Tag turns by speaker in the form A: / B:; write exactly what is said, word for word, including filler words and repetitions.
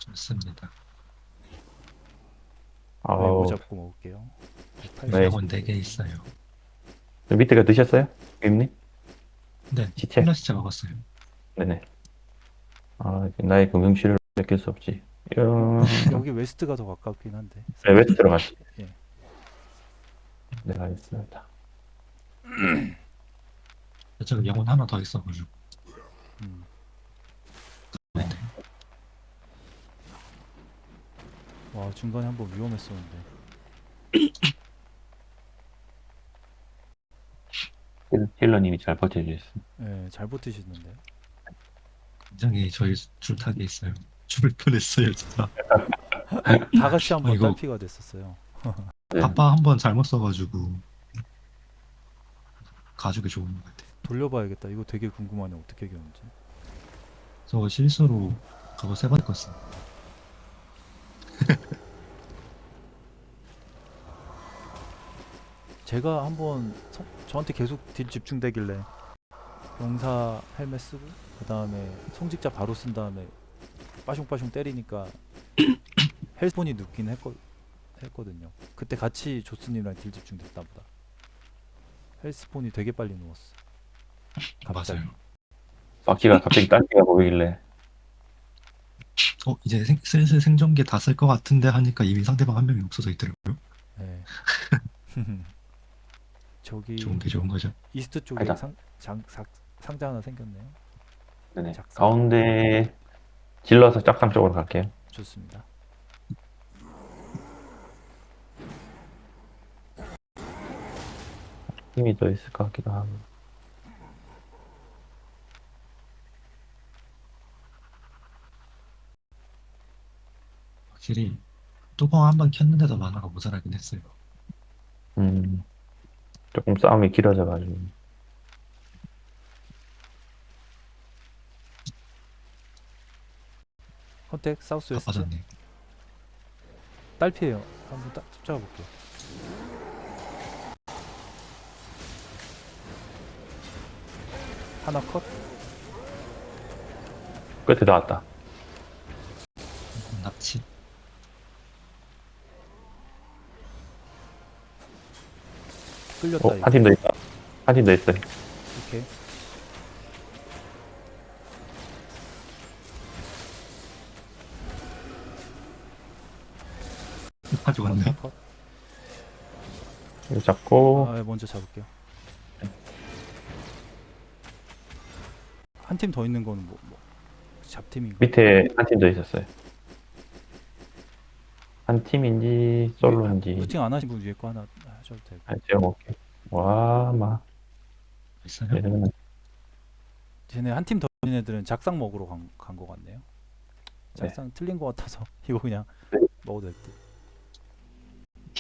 A: 좋습니다.
B: 외부
C: 아우,
B: 잡고 먹을게요.
C: 네.
A: 영혼 네 개 있어요.
C: 저 밑에가 드셨어요? 임님?
A: 네,
C: 시체?
A: 플라시체 먹었어요.
C: 네네. 아, 나의 금융실을 느낄 수 없지. 이야.
B: 여기 웨스트가 더 가깝긴 한데.
C: 네, 웨스트 들어가시.
B: 예.
C: 네, 알겠습니다.
A: 저쪽에 영혼 하나 더 있어가지고.
B: 음.
A: 네.
B: 와 중간에 한번 위험했었는데.
C: 힐- 힐러님이 잘 버텨주셨습니다.
B: 예, 잘 버티시는데.
A: 굉장히 저희 줄타기 있어요. 죽을 뻔했어요, 진짜.
B: 다 같이
A: 아,
B: 한번
A: 이거
B: 딸피가 됐었어요.
C: 네.
A: 바빠 한 번 잘못 써가지고 가죽이 좋은 것 같아요.
B: 돌려봐야겠다. 이거 되게 궁금하네. 어떻게 이겼는지.
A: 저 실수로 그거 세 번 껐어.
B: 제가 한번 성- 저한테 계속 딜 집중되길래 병사 헬멧 쓰고 그 다음에 성직자 바로 쓴 다음에 빠숑빠숑 때리니까 헬스폰이 눕긴 했거, 했거든요. 그때 같이 조스님이랑 딜 집중됐다 보다. 헬스폰이 되게 빨리 누웠어. 갑자기.
A: 맞아요.
C: 바퀴가 갑자기 딸기가 보이길래.
A: 어, 이제 생, 슬슬 생존기 다 쓸 것 같은데 하니까 이미 상대방 한 명이 없어져 있더라고요.
B: 네. 저기
A: 좋은 게 좋은 거죠.
B: 이스트 쪽에
C: 아니다.
B: 상, 장, 상, 상자 하나 생겼네요.
C: 네네.
B: 작상.
C: 가운데 질러서 짝상 쪽으로 갈게요.
B: 좋습니다.
C: 힘이 더 있을 것 같기도 하고.
A: 확실히 뚜껑 한 번 켰는데도 만화가 모자라긴 했어요.
C: 음, 조금 싸움이 길어져가지고.
B: 컨택 사우스 웨스트
A: 바빠졌네.
B: 딸피에요. 한번 딱 쫓아볼게요. 하나 컷.
C: 끝에 나왔다.
A: 납치.
B: 끌렸다
C: 어,
B: 이거.
C: 한 팀 더 있다. 한 팀 더 있어요.
B: 오케이.
A: 가지고 왔네.
B: 컷, 컷.
C: 이거 잡고,
B: 아, 먼저 잡을게요. 한 팀 더 있는 거는 뭐, 뭐 잡팀인가?
C: 밑에 한 팀 더 있었어요. 한 팀인지, 솔로인지.
B: 루팅 안 하신 분 위에 거 하나 하셔도 되고.
C: 한 지어볼게. 와, 막.
A: 있어요?
C: 얘는
B: 쟤네 한 팀 더 있는 애들은 작상 먹으러 간 거 같네요.
C: 네.
B: 작상 틀린 거 같아서 이거 그냥
C: 네.
B: 먹어도 될 듯.